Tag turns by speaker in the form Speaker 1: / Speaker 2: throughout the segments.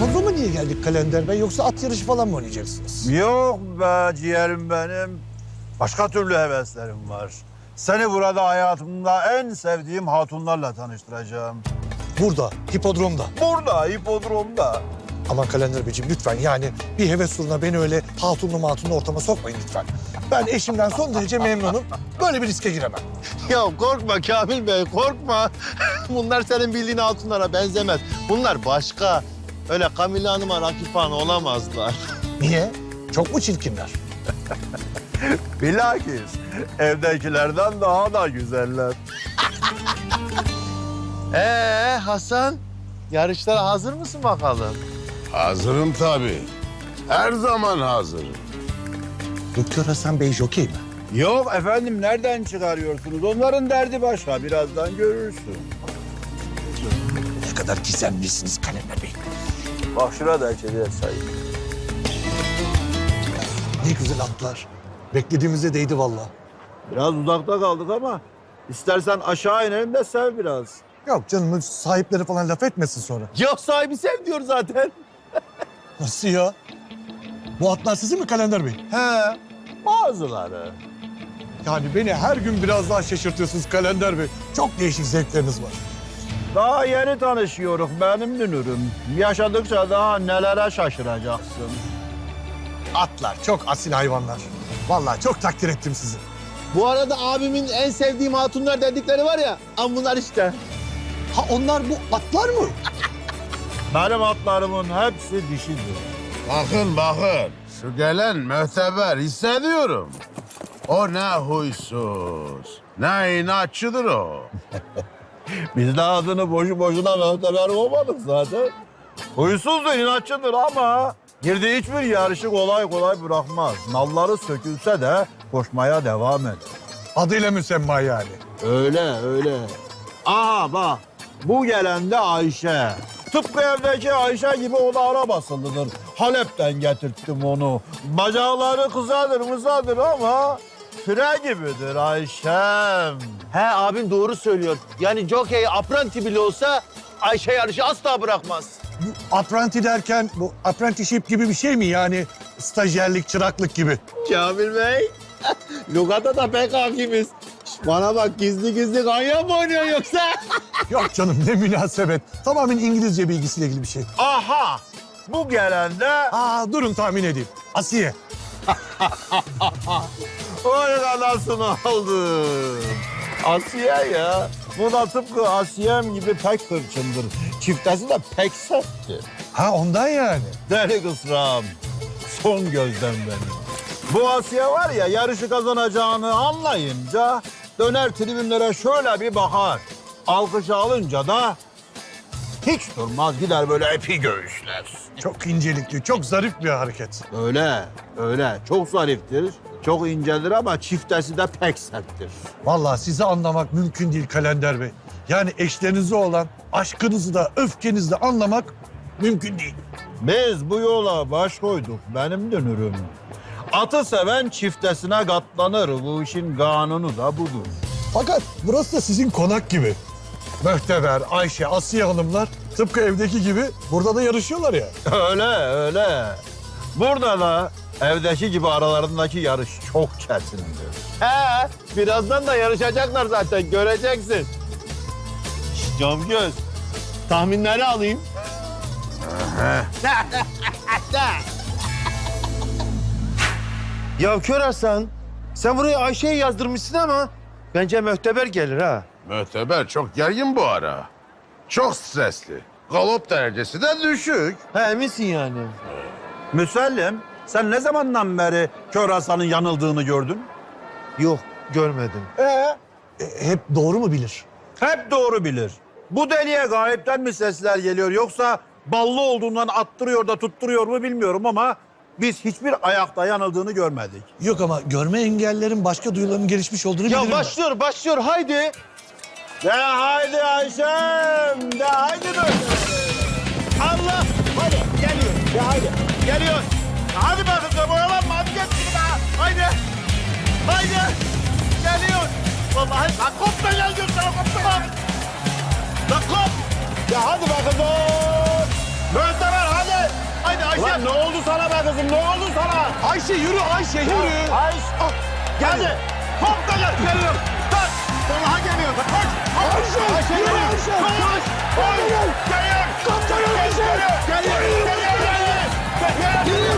Speaker 1: Hipodroma niye geldik Kalender Bey? Yoksa at yarışı falan mı oynayacaksınız?
Speaker 2: Yok be ciğerim benim. Başka türlü heveslerim var. Seni burada hayatımda en sevdiğim hatunlarla tanıştıracağım.
Speaker 1: Burada, hipodromda.
Speaker 2: Burada, hipodromda.
Speaker 1: Aman Kalender Beyciğim lütfen yani bir heves uğruna beni öyle hatunlu ortama sokmayın lütfen. Ben eşimden son derece memnunum. Böyle bir riske giremem.
Speaker 3: Ya korkma Kamil Bey, korkma. Bunlar senin bildiğin hatunlara benzemez. Bunlar başka. Öyle Kamile Hanım'a rakip falan olamazlar.
Speaker 1: Niye? Çok mu çirkinler?
Speaker 2: Bilakis evdekilerden daha da güzeller.
Speaker 3: Hasan, yarışlara hazır mısın bakalım?
Speaker 4: Hazırım tabii. Her zaman hazırım.
Speaker 1: Doktor Hasan Bey jokey mi?
Speaker 2: Yok efendim nereden çıkarıyorsunuz? Onların derdi başka. Birazdan görürsün.
Speaker 1: Ne kadar gizemlisiniz Kalender Bey.
Speaker 2: Bak şurada içeriye sayayım.
Speaker 1: Ne güzel atlar. Beklediğimize değdi vallahi.
Speaker 2: Biraz uzakta kaldık ama istersen aşağı inelim de sev biraz.
Speaker 1: Yok canım sahipleri falan laf etmesin sonra.
Speaker 3: Yok sahibi sev diyor zaten.
Speaker 1: Nasıl ya? Bu atlar sizin mi Kalender Bey?
Speaker 2: He, bazıları.
Speaker 1: Yani beni her gün biraz daha şaşırtıyorsunuz Kalender Bey. Çok değişik zevkleriniz var.
Speaker 2: Daha yeni tanışıyoruz benim dünürüm. Yaşadıkça daha nelere şaşıracaksın.
Speaker 1: Atlar çok asil hayvanlar. Vallahi çok takdir ettim sizi.
Speaker 3: Bu arada abimin en sevdiğim hatunlar dedikleri var ya, bunlar işte.
Speaker 1: Ha onlar bu atlar mı?
Speaker 2: Benim atlarımın hepsi dişidir.
Speaker 4: Bakın. Şu gelen mühteber hissediyorum. O ne huysuz, ne inatçıdır o.
Speaker 2: Biz de adını boşu boşuna mühteber olmadık zaten. Huysuzdur, inatçıdır ama girdiği hiçbir yarışı kolay kolay bırakmaz. Nalları sökülse de koşmaya devam eder.
Speaker 1: Adıyla müsemma yani.
Speaker 2: Öyle. Aha bak, bu gelen de Ayşe. Tıpkı evdeki Ayşe gibi o da arabasılıdır. Halep'ten getirttim onu. Bacakları kısadır ama fire gibidir Ayşem.
Speaker 3: He abim doğru söylüyor. Yani jockey apprenti bile olsa Ayşe yarışı asla bırakmaz.
Speaker 1: Bu apprenti derken bu apprenticeship gibi bir şey mi yani? Stajyerlik, çıraklık gibi.
Speaker 3: Kamil Bey, lugata da pek hakimiz. Bana bak gizli ganyan mı oynuyor yoksa?
Speaker 1: Yok canım ne münasebet. Tamamen İngilizce bilgisiyle ilgili bir şey.
Speaker 2: Aha, bu gelen de
Speaker 1: Durun tahmin edeyim. Asiye.
Speaker 2: oy anasını aldı. Asiye ya. Bu da tıpkı Asiyem gibi pek hırçındır. Çiftesi de pek serttir.
Speaker 1: Ha ondan yani.
Speaker 2: Deli kısram. Son gözden benim. Bu Asiye var ya yarışı kazanacağını anlayınca döner tribünlere şöyle bir bakar. Alkış alınca da hiç durmaz gider böyle epi göğüsler.
Speaker 1: Çok incelikli, çok zarif bir hareket.
Speaker 2: Öyle. Çok zariftir, çok incedir ama çiftesi de pek serttir.
Speaker 1: Vallahi sizi anlamak mümkün değil Kalender Bey. Yani eşlerinize olan aşkınızı da öfkenizi de anlamak mümkün değil.
Speaker 2: Biz bu yola baş koyduk benim dönürüm. Atı seven çiftesine katlanır. Bu işin kanunu da budur.
Speaker 1: Fakat burası da sizin konak gibi. Möhteber, Ayşe, Asiye hanımlar tıpkı evdeki gibi burada da yarışıyorlar ya.
Speaker 2: Öyle. Burada da evdeki gibi aralarındaki yarış çok kesindir.
Speaker 3: He, birazdan da yarışacaklar zaten, göreceksin. Şişt, Camgöz, tahminleri alayım. Ya Kör Hasan, sen buraya Ayşe'yi yazdırmışsın ama bence Möhteber gelir ha.
Speaker 4: Mühteber çok gergin bu ara. Çok stresli. Galop derecesi de düşük.
Speaker 3: He, eminsin yani.
Speaker 2: Müsellim, sen ne zamandan beri Kör Hasan'ın yanıldığını gördün?
Speaker 3: Yok, görmedim.
Speaker 1: Hep doğru mu bilir?
Speaker 2: Hep doğru bilir. Bu deliye gayipten mi sesler geliyor yoksa ballı olduğundan attırıyor da tutturuyor mu bilmiyorum ama biz hiçbir ayakta yanıldığını görmedik.
Speaker 1: Yok ama görme engellerin başka duyularının gelişmiş olduğunu bilirim
Speaker 3: Ya
Speaker 1: ben.
Speaker 3: başlıyor, haydi.
Speaker 2: De haydi Ayşem, de haydi böyle.
Speaker 3: Allah, hadi geliyor.
Speaker 2: De haydi.
Speaker 3: Geliyor.
Speaker 2: Hadi bakın oyalanma, hadi geç şimdi daha. Haydi.
Speaker 3: Geliyor.
Speaker 2: Vallahi lan kop da gel sana koptu bak. Lan kop. Ya hadi bakın. Möhteber hadi. kızım? Ne oldu sana?
Speaker 1: Ayşe yürü Ayşe yürü.
Speaker 2: Ayşe. Geldi. Hop da gel. Geliyorum. Kaç. Vallaha geliyor. Kaç.
Speaker 1: Ayşe,
Speaker 2: Ayşe
Speaker 1: yürü
Speaker 2: geliyor.
Speaker 1: Ayşe.
Speaker 2: Koş. Koş. Geliyor.
Speaker 1: Kaptanım Ayşe.
Speaker 2: Geliyor. Geliyor. Geliyor.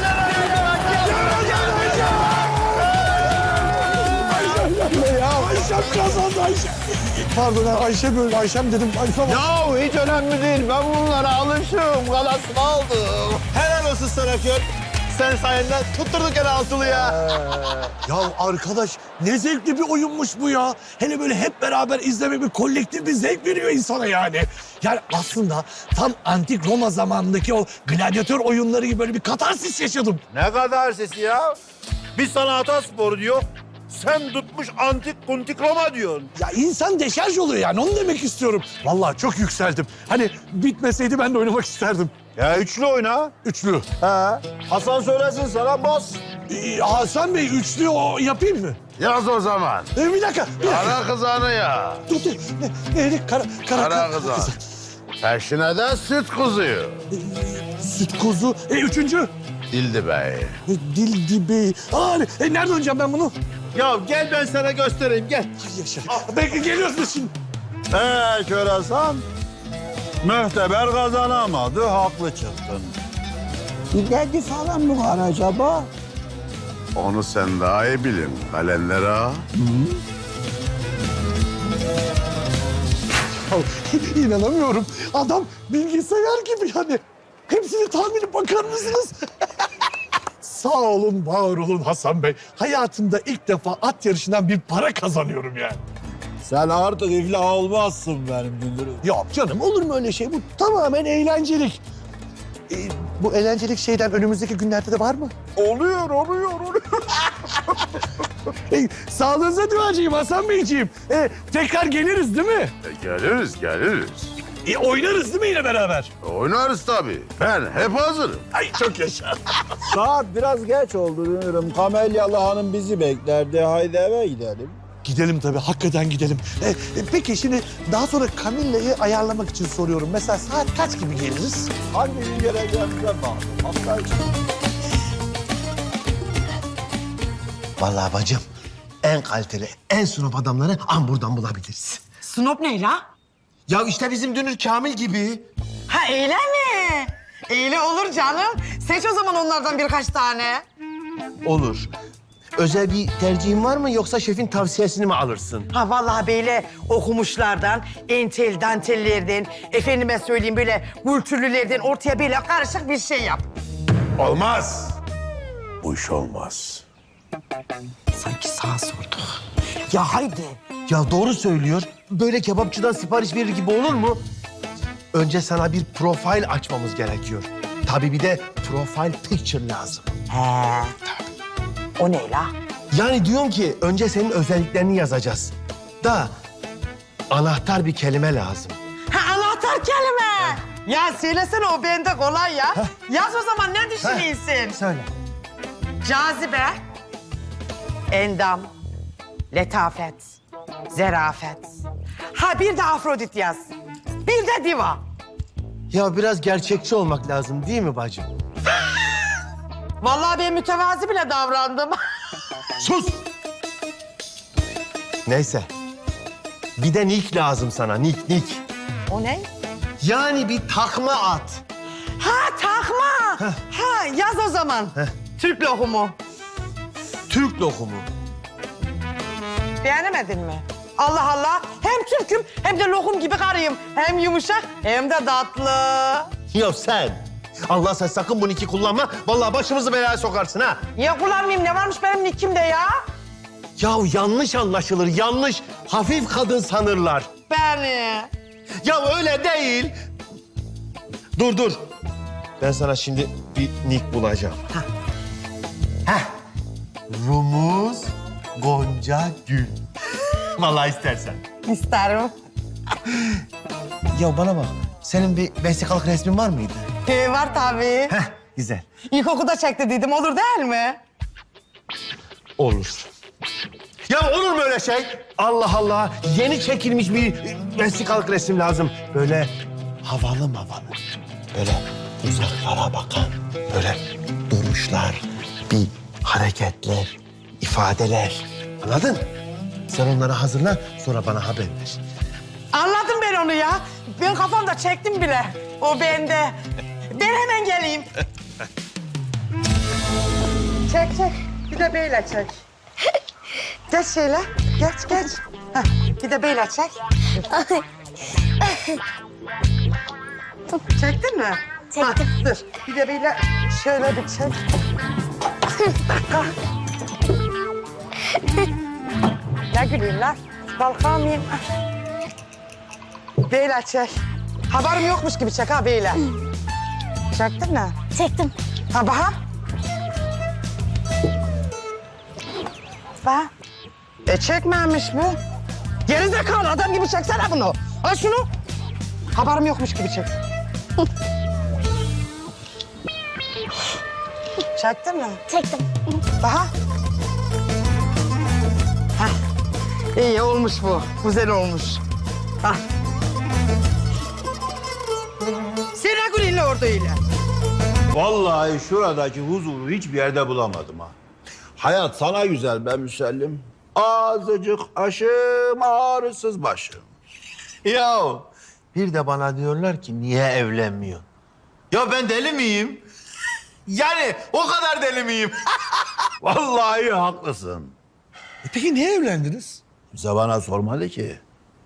Speaker 1: Ayşem kazandı Ayşe. Pardon Ayşe böyle Ayşem dedim. Ayşem.
Speaker 2: Ya hiç önemli değil. Ben bunlara alışım. Galasını aldım. Helal olsun sana Kör. Sen sayende tutturduk el altılı ya.
Speaker 1: Ya arkadaş ne zevkli bir oyunmuş bu ya. Hele böyle hep beraber izlemek bir kolektif bir zevk veriyor insana yani. Yani aslında tam antik Roma zamanındaki o gladyatör oyunları gibi böyle bir katarsis yaşadım.
Speaker 2: Ne kadar sesi ya? Biz sana ataspor diyor. Sen tutmuş antik kuntik Roma diyorsun.
Speaker 1: Ya insan deşarj oluyor yani onu demek istiyorum. Vallahi çok yükseldim. Hani bitmeseydi ben de oynamak isterdim.
Speaker 2: Ya üçlü oyna.
Speaker 1: Üçlü.
Speaker 2: He. Hasan söylesin sana bas.
Speaker 1: Hasan Bey üçlü o yapayım mı?
Speaker 4: Yaz o zaman.
Speaker 1: Bir dakika.
Speaker 4: Kara kızanı ya.
Speaker 1: Dur. Ne?
Speaker 4: Kara kızan. Peşine de süt kuzuyu.
Speaker 1: Süt kuzu. Üçüncü.
Speaker 4: Dildi Bey.
Speaker 1: Dildi Bey. Nerede oynayacağım ben bunu?
Speaker 2: Ya gel ben sana göstereyim gel.
Speaker 1: Ay yaşa. Belki geliyoruz biz şimdi.
Speaker 2: Kör Hasan. Mühteber kazanamadı, haklı çıktın.
Speaker 5: Bir derdi falan mı var acaba?
Speaker 4: Onu sen daha iyi bilin Kalender ağa.
Speaker 1: İnanamıyorum. Adam bilgisayar gibi yani. Hepsini tahmini bakar mısınız? Sağ olun, var olun Hasan Bey. Hayatımda ilk defa at yarışından bir para kazanıyorum yani.
Speaker 2: Sen artık iflah olmazsın benim Gündür'üm.
Speaker 1: Yok canım olur mu öyle şey? Bu tamamen eğlencelik. Bu eğlencelik şeyden önümüzdeki günlerde de var mı?
Speaker 2: Oluyor.
Speaker 1: Sağlığınıza duacıyım Hasan Beyciğim. Tekrar geliriz değil mi?
Speaker 4: Geliriz.
Speaker 1: Oynarız değil mi yine beraber?
Speaker 4: Oynarız tabii. Ben hep hazırım.
Speaker 1: Ay çok yaşa.
Speaker 2: Saat biraz geç oldu Gündür'üm. Kamelyalı Hanım bizi beklerdi. Haydi eve gidelim.
Speaker 1: Gidelim tabii, hakikaten gidelim. Peki şimdi daha sonra Camilla'yı ayarlamak için soruyorum. Mesela saat kaç gibi geliriz?
Speaker 2: Hangi gün geleceğimize bağlı. Hafta içi.
Speaker 3: Vallahi bacım en kaliteli, en sunop adamları buradan bulabiliriz.
Speaker 6: Snop ne la?
Speaker 3: Ya işte bizim Dünür Kamil gibi.
Speaker 6: Ha öyle mi? Öyle olur canım. Seç o zaman onlardan birkaç tane.
Speaker 3: Olur. Özel bir tercihin var mı yoksa şefin tavsiyesini mi alırsın?
Speaker 6: Ha vallahi böyle okumuşlardan, entel dantellerden, efendime söyleyeyim böyle kültürlülerden ortaya böyle karışık bir şey yap.
Speaker 4: Olmaz. Bu iş olmaz.
Speaker 6: Sanki sağa sorduk. Ya haydi.
Speaker 3: Ya doğru söylüyor. Böyle kebapçıdan sipariş verir gibi olur mu? Önce sana bir profil açmamız gerekiyor. Tabii bir de profile picture lazım.
Speaker 6: He. O ne la?
Speaker 3: Yani diyorum ki önce senin özelliklerini yazacağız. Da anahtar bir kelime lazım.
Speaker 6: Ha anahtar kelime. Ya söylesene o bende kolay ya. Yaz o zaman ne düşünüyorsun?
Speaker 3: Söyle.
Speaker 6: Cazibe, endam, letafet, zerafet. Ha bir de Afrodit yaz. Bir de diva.
Speaker 3: Ya biraz gerçekçi olmak lazım değil mi bacım?
Speaker 6: Vallahi ben mütevazi bile davrandım.
Speaker 3: Sus! Neyse. Bir de nick lazım sana, nick.
Speaker 6: O ne?
Speaker 3: Yani bir takma at.
Speaker 6: Ha takma. Ha yaz o zaman. Türk lokumu.
Speaker 3: Türk lokumu.
Speaker 6: Beğenemedin mi? Allah Allah. Hem Türk'üm hem de lokum gibi karıyım. Hem yumuşak hem de tatlı.
Speaker 3: Ya sen. Allah sen sakın bu nicki kullanma. Vallahi başımızı belaya sokarsın ha.
Speaker 6: Ya kullanmayayım ne varmış benim nickimde ya?
Speaker 3: Ya yanlış anlaşılır, yanlış. Hafif kadın sanırlar.
Speaker 6: Beni.
Speaker 3: Ya öyle değil. Dur. Ben sana şimdi bir nick bulacağım. Heh. Rumuz Gonca Gül. Vallahi istersen.
Speaker 6: İsterim.
Speaker 3: Ya bana bak. Senin bir vesikalık resmin var mıydı?
Speaker 6: Var tabii.
Speaker 3: Heh, güzel.
Speaker 6: İlkokulda çektirdiydim olur değil mi?
Speaker 3: Olur. Ya olur mu öyle şey? Allah Allah. Yeni çekilmiş bir vesikalık resim lazım. Böyle havalı. Böyle uzaklara bakan. Böyle durmuş duruşlar, bir hareketler, ifadeler. Anladın? Sen onları hazırla, sonra bana haber ver.
Speaker 6: Anladım ben onu ya. Ben kafamda çektim bile. O bende. Ben hemen geleyim. Çek. Bir de böyle çek. Geç şöyle. Geç. Heh, bir de böyle çek. Çektin mi?
Speaker 7: Çektim.
Speaker 6: Ha, dur. Bir de böyle şöyle bir çek. Dakika. Ne gülüyorsun lan? Kalkamayayım. Böyle çek. Haberim yokmuş gibi çek ha böyle. Çektin mi?
Speaker 7: Çektim.
Speaker 6: Ha bak. Bak. Çekmemiş bu. Gerizekalı adam gibi çeksene bunu. Al şunu. Haberim yokmuş gibi çek. Çektin mi?
Speaker 7: Çektim.
Speaker 6: Bak. Hah. İyi olmuş bu. Güzel olmuş. Hah. Sen Gül'ünle orada öyle.
Speaker 2: Vallahi şuradaki huzuru hiçbir yerde bulamadım ha. Hayat sana güzel be Müsellim. Azıcık aşım, ağrısız başım.
Speaker 3: Ya bir de bana diyorlar ki niye evlenmiyor? Ya ben deli miyim? Yani o kadar deli miyim?
Speaker 2: Vallahi haklısın.
Speaker 1: Peki niye evlendiniz?
Speaker 2: Kimse bana sormadı ki.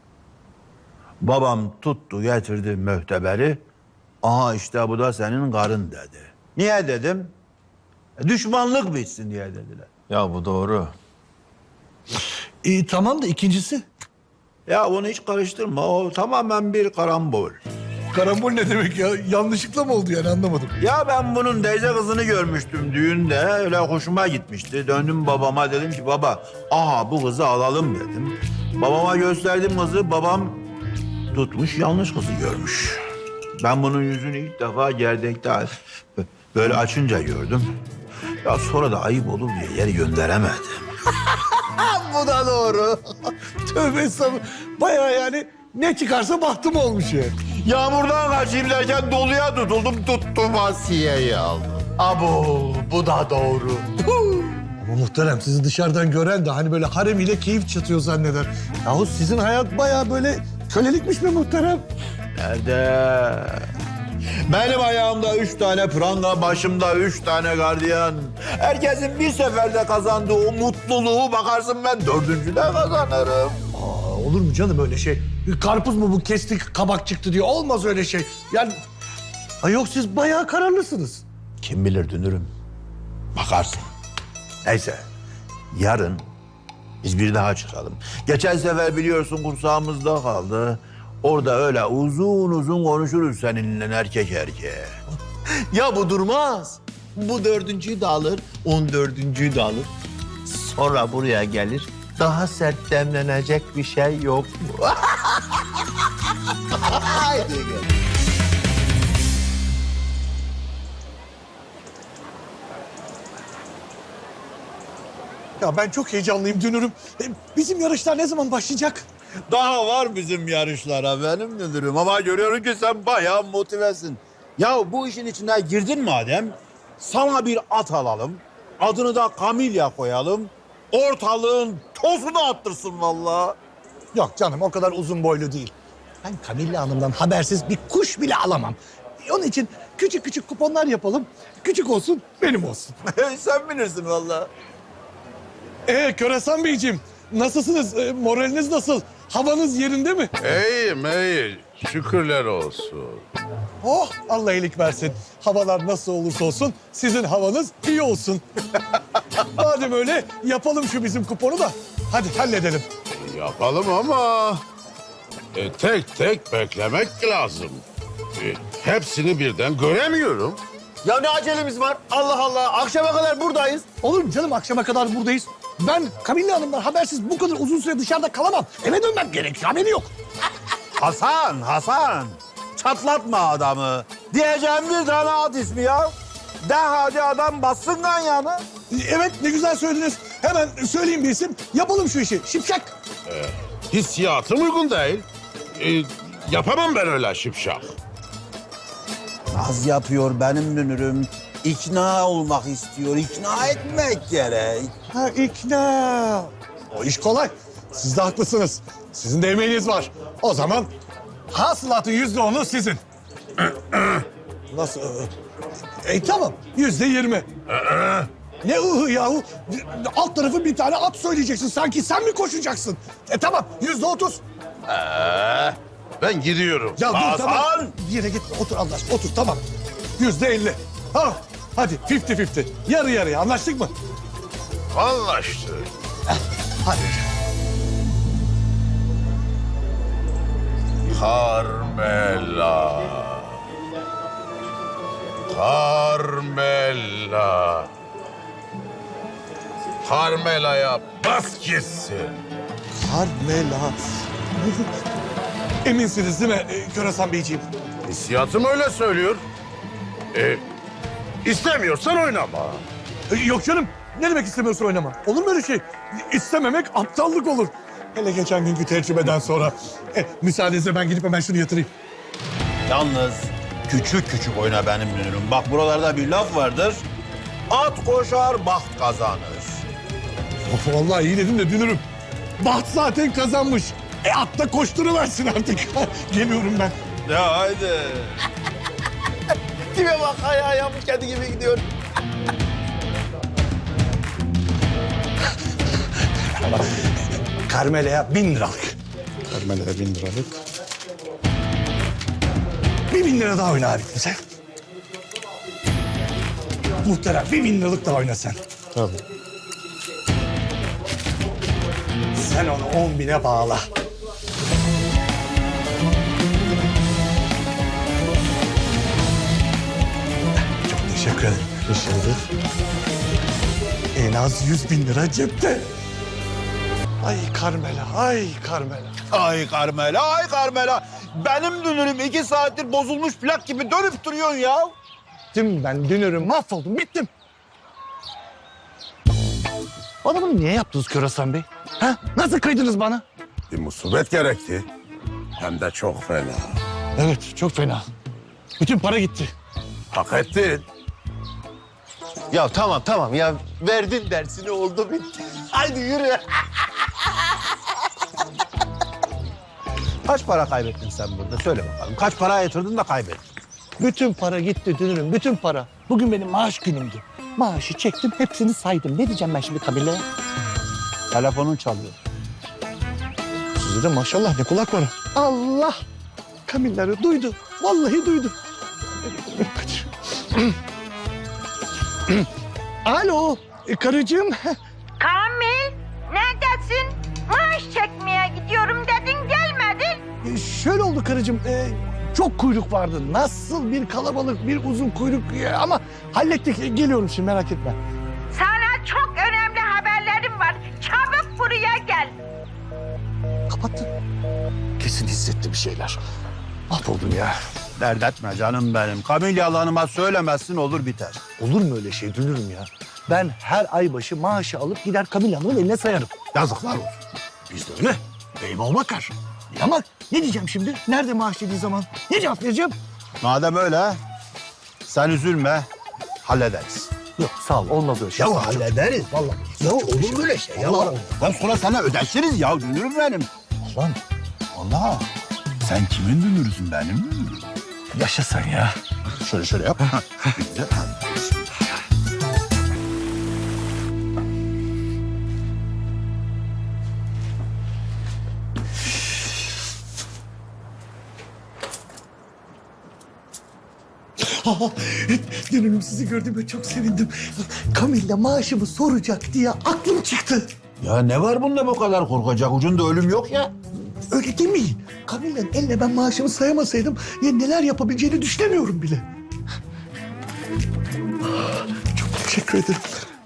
Speaker 2: Babam tuttu getirdi mühteberi. Aha işte bu da senin karın dedi. Niye dedim? Düşmanlık bitsin diye dediler.
Speaker 3: Ya bu doğru.
Speaker 1: Tamam da ikincisi.
Speaker 2: Ya onu hiç karıştırma. O tamamen bir karambol.
Speaker 1: Karambol ne demek ya? Yanlışlıkla mı oldu yani anlamadım.
Speaker 2: Ya ben bunun teyze kızını görmüştüm düğünde. Öyle hoşuma gitmişti. Döndüm babama dedim ki baba aha bu kızı alalım dedim. Babama gösterdim kızı. Babam tutmuş yanlış kızı görmüş. Ben bunun yüzünü ilk defa gerdekte böyle açınca gördüm. Ya sonra da ayıp olur diye yeri gönderemedim.
Speaker 3: Bu da doğru.
Speaker 1: Tövbe estağfurullah. Bayağı yani ne çıkarsa bahtım olmuş ya.
Speaker 2: Yağmurdan kaçayım derken doluya tutuldum. Tuttum Asiye'yi aldım.
Speaker 3: Abo bu da doğru.
Speaker 1: Ama muhterem sizi dışarıdan gören de hani böyle harem ile keyif çatıyor zanneder. Yahu sizin hayat bayağı böyle kölelikmiş mi muhterem?
Speaker 2: Nerede? Benim ayağımda 3 tane pranga, başımda 3 tane gardiyan. Herkesin bir seferde kazandığı o mutluluğu bakarsın ben 4. de kazanırım.
Speaker 1: Olur mu canım öyle şey? Karpuz mu bu kestik kabak çıktı diyor. Olmaz öyle şey. Yani ay yok siz bayağı kararlısınız.
Speaker 2: Kim bilir dünürüm. Bakarsın. Neyse. Yarın biz bir daha çıkalım. Geçen sefer biliyorsun kursağımızda kaldı. Orada öyle uzun uzun konuşuruz seninle erkek erkeğe.
Speaker 3: Ya bu durmaz. Bu 4.'yü de alır, 14.'yü de alır. Sonra buraya gelir. Daha sert demlenecek bir şey yok mu? Haydi gel.
Speaker 1: Ya ben çok heyecanlıyım dünürüm. Bizim yarışlar ne zaman başlayacak?
Speaker 2: Daha var bizim yarışlara benim müdürüm ama görüyorum ki sen bayağı motivesin. Ya bu işin içine girdin madem sana bir at alalım. Adını da Kamilya koyalım. Ortalığın tozunu attırsın vallahi.
Speaker 1: Yok canım o kadar uzun boylu değil. Ben Kamilla Hanım'dan habersiz bir kuş bile alamam. Onun için küçük küçük kuponlar yapalım. Küçük olsun benim olsun.
Speaker 2: Sen bilirsin vallahi.
Speaker 1: Köresan Beyciğim nasılsınız? Moraliniz nasıl? Havanız yerinde mi?
Speaker 4: İyiyim, iyi. Şükürler olsun.
Speaker 1: Oh Allah iyilik versin. Havalar nasıl olursa olsun sizin havanız iyi olsun. Madem öyle yapalım şu bizim kuponu da hadi halledelim.
Speaker 4: Yapalım ama tek tek beklemek lazım. Hepsini birden göremiyorum.
Speaker 3: Ya ne acelemiz var? Allah Allah. Akşama kadar buradayız.
Speaker 1: Olur mu canım akşama kadar buradayız. Ben Kamilla Hanım'dan habersiz bu kadar uzun süre dışarıda kalamam. Eve dönmem gerekiyor haberi yok.
Speaker 2: Hasan. Çatlatma adamı. Diyeceğim bir tane at ismi ya. De hadi adam bassın ganyanı.
Speaker 1: Evet ne güzel söylediniz. Hemen söyleyeyim bir isim. Yapalım şu işi. Şipşak.
Speaker 4: Hissiyatım uygun değil. Yapamam ben öyle şipşak.
Speaker 2: Naz yapıyor benim dünürüm. ikna olmak istiyor. İkna etmek gerek.
Speaker 1: Ha ikna. O iş kolay. Siz de haklısınız. Sizin de emeğiniz var. O zaman hasılatın %10'u sizin. Nasıl? Tamam. %20. Ne ıhı yahu? Alt tarafı bir tane at söyleyeceksin. Sanki sen mi koşacaksın? Tamam. %30.
Speaker 4: Ben gidiyorum.
Speaker 1: Ya dur
Speaker 2: Hasan!
Speaker 1: tamam. Bir yere gitme. Otur Allah aşkına. Otur tamam. %50. Ha, hadi 50-50. Yarı yarıya anlaştık mı?
Speaker 4: Anlaştık.
Speaker 1: Hadi.
Speaker 4: Carmela. Carmela. Carmela'ya bas gitsin.
Speaker 1: Carmela. Eminsiniz değil mi Körasan Beyciğim?
Speaker 4: Hissiyatım öyle söylüyor. İstemiyorsan oynama.
Speaker 1: Yok canım. Ne demek istemiyorsun oynama? Olur mu öyle şey? İstememek aptallık olur. Hele geçen günkü tecrübeden sonra. Müsaadenizle ben gidip hemen şunu yatırayım.
Speaker 2: Yalnız küçük küçük oyna benim dünürüm. Bak buralarda bir laf vardır. At koşar, baht kazanır.
Speaker 1: Of, vallahi iyi dedim de dünürüm. Baht zaten kazanmış. At da koşturuversin artık. Geliyorum ben.
Speaker 2: Ya haydi. Tipe bak ayağı yapmış kendi gibi gidiyor.
Speaker 1: Carmela'ya 1000 liralık.
Speaker 2: Carmela'ya 1000 liralık.
Speaker 1: Bir 1000 lira daha oyna abi sen. Muhterem bir 1000 liralık daha oyna sen.
Speaker 2: Tabii.
Speaker 1: Sen onu 10.000'e bağla. Çok teşekkür ederim. En az 100.000 lira cepte. Ay Carmela, ay Carmela.
Speaker 2: Ay Carmela, ay Carmela. Benim dünürüm 2 saattir bozulmuş plak gibi dönüp duruyorsun ya.
Speaker 1: Bittim ben, dünürüm, mahvoldum, bittim. Bana bunu niye yaptınız Körasan Bey? Ha? Nasıl kıydınız bana?
Speaker 4: Bir musibet gerekti. Hem de çok fena.
Speaker 1: Evet, çok fena. Bütün para gitti.
Speaker 4: Hak ettin.
Speaker 3: Ya tamam ya verdin dersini oldu bitti. Haydi yürü.
Speaker 2: Kaç para kaybettin sen burada? Söyle bakalım. Kaç para yatırdın da kaybettin?
Speaker 1: Bütün para gitti dünürüm, bütün para. Bugün benim maaş günümdü. Maaşı çektim, hepsini saydım. Ne diyeceğim ben şimdi Camilla'ya?
Speaker 2: Telefonun çalıyor.
Speaker 1: Size de maşallah ne kulak var. Allah! Camilla'yı duydu. Vallahi duydu. Alo, karıcığım.
Speaker 7: Kamil, neredesin? Maaş çekmeye gidiyorum dedin, gelmedin.
Speaker 1: Şöyle oldu karıcığım. Çok kuyruk vardı. Nasıl bir kalabalık, bir uzun kuyruk. Ama hallettik. Geliyorum şimdi merak etme.
Speaker 7: Sana çok önemli haberlerim var. Çabuk buraya gel.
Speaker 1: Kapattı. Kesin hissetti bir şeyler. Mahvoldum ya.
Speaker 2: Dert etme canım benim. Kamilya Hanım'a söylemezsin olur biter.
Speaker 1: Olur mu öyle şey dünürüm ya? Ben her ay başı maaşı alıp gider Camilla Hanım'ın eline sayarım. Yazıklar olsun. Biz de öyle. Eyvallah bakar. Ama ne diyeceğim şimdi? Nerede maaş dediği zaman? Ne cevap vereceğim?
Speaker 2: Madem öyle sen üzülme hallederiz.
Speaker 1: Yok sağ ol olmaz öyle şey.
Speaker 2: Ya hallederiz.
Speaker 1: Vallahi.
Speaker 2: Ya olur böyle şey ya.
Speaker 1: Vallahi.
Speaker 2: Ben sonra sana ödeşiriz ya dünürüm benim.
Speaker 1: Allah'ım
Speaker 2: Allah. Sen kimin dünürüsün benim dünürüm?
Speaker 1: yaşa sen ya.
Speaker 2: Şöyle yap. Güzel.
Speaker 1: Dünürüm sizi gördüğüme çok sevindim. Camilla maaşımı soracak diye aklım çıktı.
Speaker 2: Ya ne var bunda bu kadar korkacak? Ucunda ölüm yok ya.
Speaker 1: Öyle demeyin. Camilla'nın eline ben maaşımı sayamasaydım ya neler yapabileceğini düşünemiyorum bile. Çok teşekkür ederim.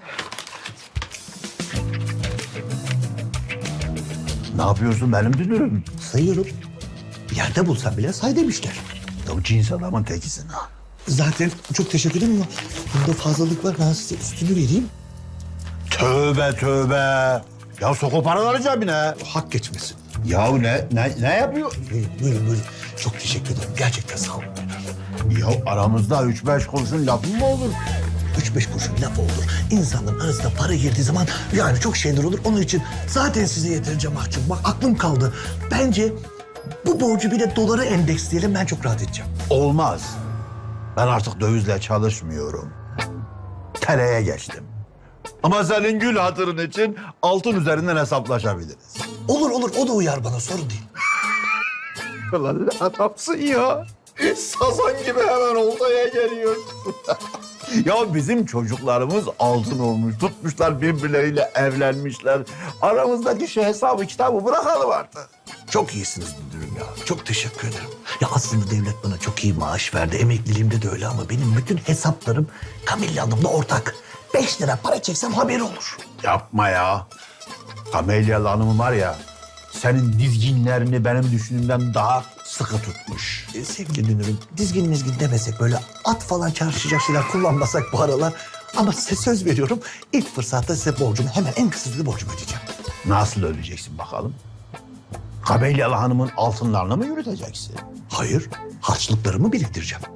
Speaker 2: Ne yapıyorsun benim dünürüm?
Speaker 1: Sayıyorum. Yerde bulsam bile say demişler.
Speaker 2: Ya cins adamın tekisin ha.
Speaker 1: Zaten çok teşekkür ederim ama bunda fazlalık var. Ben size üstünü vereyim.
Speaker 2: Tövbe tövbe. Ya sok o paraları cebine.
Speaker 1: Hak geçmesin.
Speaker 2: Ya ne yapıyor?
Speaker 1: Buyurun. Çok teşekkür ederim. Gerçekten sağ olun.
Speaker 2: Ya aramızda 3-5 kuruşun lafı mı olur?
Speaker 1: 3-5 kuruşun laf olur. İnsanların arasında para girdiği zaman yani çok şeyler olur. Onun için zaten size yeterince mahcup. Bak aklım kaldı. Bence bu borcu bir de dolara endeksleyelim. Ben çok rahat edeceğim.
Speaker 2: Olmaz. Ben artık dövizle çalışmıyorum. TL'ye geçtim. Ama senin gül hatırın için altın üzerinden hesaplaşabiliriz.
Speaker 1: Olur olur o da uyar bana sorun değil.
Speaker 2: Ulan ne adamsın ya. Sazan gibi hemen oltaya geliyorsun. Ya bizim çocuklarımız altın olmuş. Tutmuşlar birbirleriyle evlenmişler. Aramızdaki şu hesabı kitabı bırakalım artık.
Speaker 1: Çok iyisiniz müdürüm ya. Çok teşekkür ederim. Ya aslında devlet bana çok iyi maaş verdi. Emekliliğimde de öyle ama benim bütün hesaplarım Kamilla Hanım'la ortak. 5 lira para çeksem haberi olur.
Speaker 2: Yapma ya. Kamelyalı Hanım var ya, senin dizginlerini benim düşündüğümden daha sıkı tutmuş.
Speaker 1: Sevgili dünürüm, dizgin mizgin demesek böyle at falan çarpışacak şeyler kullanmasak bu aralar. Ama size söz veriyorum ilk fırsatta size borcumu hemen en kısa sürede borcumu ödeyeceğim.
Speaker 2: Nasıl ödeyeceksin bakalım? Kamelyalı Hanım'ın altınlarını mı yürüteceksin?
Speaker 1: Hayır, harçlıklarımı biriktireceğim.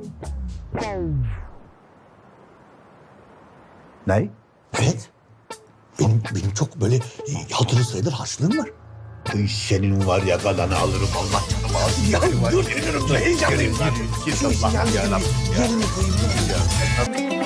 Speaker 2: Ne?
Speaker 1: Evet. Benim çok böyle hatırı sayılır harçlığım var.
Speaker 2: Senin var ya kalanı alırım Allah canımı alsın.
Speaker 1: Ya dur, dur, heyecanlıyım.
Speaker 2: Gir Allah ya.
Speaker 1: Yerine koyayım.